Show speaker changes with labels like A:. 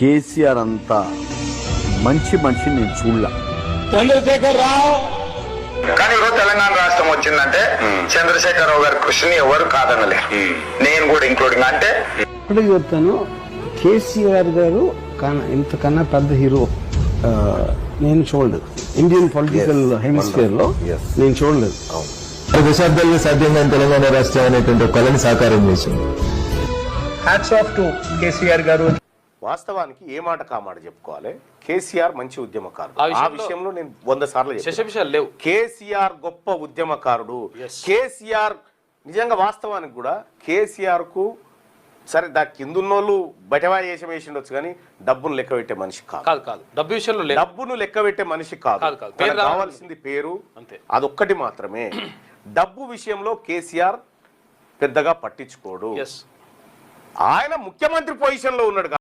A: కేసీఆర్ అంతా మంచి మనిషిని నేను చూడలే.
B: చంద్రశేఖర్ రావు
C: కానీ ఈరోజు తెలంగాణ రాష్ట్రం వచ్చిందంటే చంద్రశేఖరరావు గారి కృషిని ఎవరు కాదనలే, నేను కూడా ఇంక్లూడింగ్. అంటే
D: ఇప్పటికి చెప్తాను, కేసీఆర్ గారు ఇంతకన్నా పెద్ద హీరో నేను చూడలేదు. ఇండియన్ పొలిటికల్ హెమిస్ఫియర్ లో నేను చూడలేదు.
E: దశాబ్దాలుగా సాధ్యంగా తెలంగాణ రాష్ట్రం అనేటువంటి ఒక కళని సాకారం చేసింది.
F: హ్యాట్స్ ఆఫ్ టు కేసీఆర్ గారు.
G: వాస్తవానికి ఏ మాట కామాట చెప్పుకోవాలి, కేసీఆర్ మంచి ఉద్యమకారుడు. ఆ విషయంలో నేను 100 సార్లు
B: లేవు.
G: కేసీఆర్ గొప్ప ఉద్యమకారుడు. కేసీఆర్ నిజంగా వాస్తవానికి కూడా కేసీఆర్ కు సరే దా కిందున్నోళ్ళు బయటవా వేషం వేసిండొచ్చు కానీ డబ్బును లెక్క పెట్టే మనిషి కాదు.
B: డబ్బు విషయంలో
G: డబ్బును లెక్క పెట్టే మనిషి కాదు. కావాల్సింది పేరు అంతే, అదొక్కటి మాత్రమే. డబ్బు విషయంలో కేసీఆర్ పెద్దగా పట్టించుకోడు. ఆయన ముఖ్యమంత్రి పొజిషన్ లో ఉన్నాడు.